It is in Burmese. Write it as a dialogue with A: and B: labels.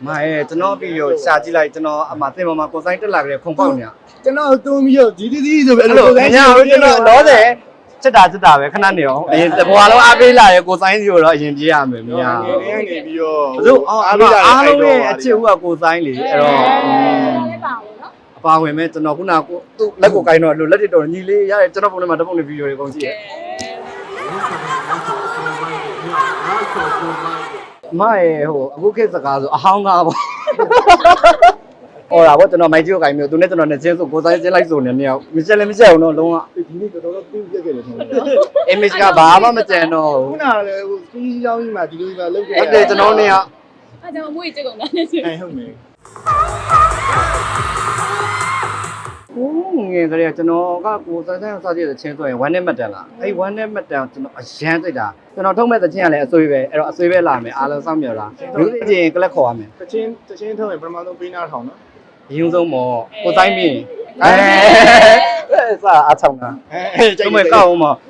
A: ရဲ့ကျွန်တော်ပြီးတော့ရှာကြည့်လိုက်ကျွန်တော်အမတင်ပေါ်မှာကိုဆိုင်တက်လာကြတယ်ခုံပေါက်နေရ
B: ကျွန်တော်တုံးပြီးတော့ဒီဆိုပဲ
A: အဲ့လိုညကျွန်တော်လောတယ်စစ်တာပဲခဏနေအောင်အရင်တဘွားလုံးအားပေးလာရဲကိုဆိုင်စီကိုတော့အရင်ပြေးရမယ်မရ
B: ငယ်နေပြီးတော့
A: ဘူးသူအားလုံးရဲ့အချစ်ဦးကကိုဆိုင်လေအဲ့တော့
C: လည်းပါဘူးနော်
A: အပါဝင်မဲ့ကျွန်တော်ခုနကသူ့လက်ကိုကိုင်းတော့လက်တွေတော့ညီလေးရတယ်ကျွန်တော်ပုံထဲမှာတပုံလေးဗီဒီယိုတွေကုန်ကြည့်ရမရဲ့ဟိုအခုခေတ်စကားဆိုအဟောင်းသားပေါ့ဟောတာပေါ့ကျွန်တော်မိုက်ကြီးကိုကိုင်းမျိုးသူနဲ့ကျွန်တော်နဲ့ချင်းဆိုကိုဆိုင်ချင်းလိုက်ဆိုနေနေရောက်မချက်လည်းမချက်အောင်တော့လုံးဝ
B: ဒီနေ့တော်တော်ပြုတ်ပြက်ခဲ့တယ်ထင်တယ်
A: image ကဘာမှမကြံတော့
B: ခုနကလည်းဟိုစီးကြောင်းကြီးမှာဒီလိုပဲလုပ်ခဲ့
A: ဟုတ်တယ်ကျွန်တော်နေရ
C: အဲ့ကြောင့်အမွေးကြက်ကုန်တာနဲ့ဆို
B: အဲဟုတ်မယ်
A: ငယ်ကလေးကကျွန်တော်ကကိုဆိုင်ဆိုင်စားကြည့်တဲ့ချင်းဆိုရင်1 net မတန်လားအဲ့1 net မတန်ကျွန်တော်အရန်သိတာကျွန်တော်ထုတ်မဲ့တဲ့ချင်းကလည်းအဆွေးပဲအဲ့တော့အဆွေးပဲလာမယ်အားလုံးစောင့်မျှော်လားလူသိချင်းကလပ်ခေါ်ရမယ်
B: တချင်းထုတ်ရင်ပထမဆုံးပေးနာထောင်နော်
A: အရင်ဆုံးမော်ကိုဆိုင်ပြီးအဲစားအားဆောင်တာ
B: အဲ
A: ကျွန်မကောက်အောင်မော်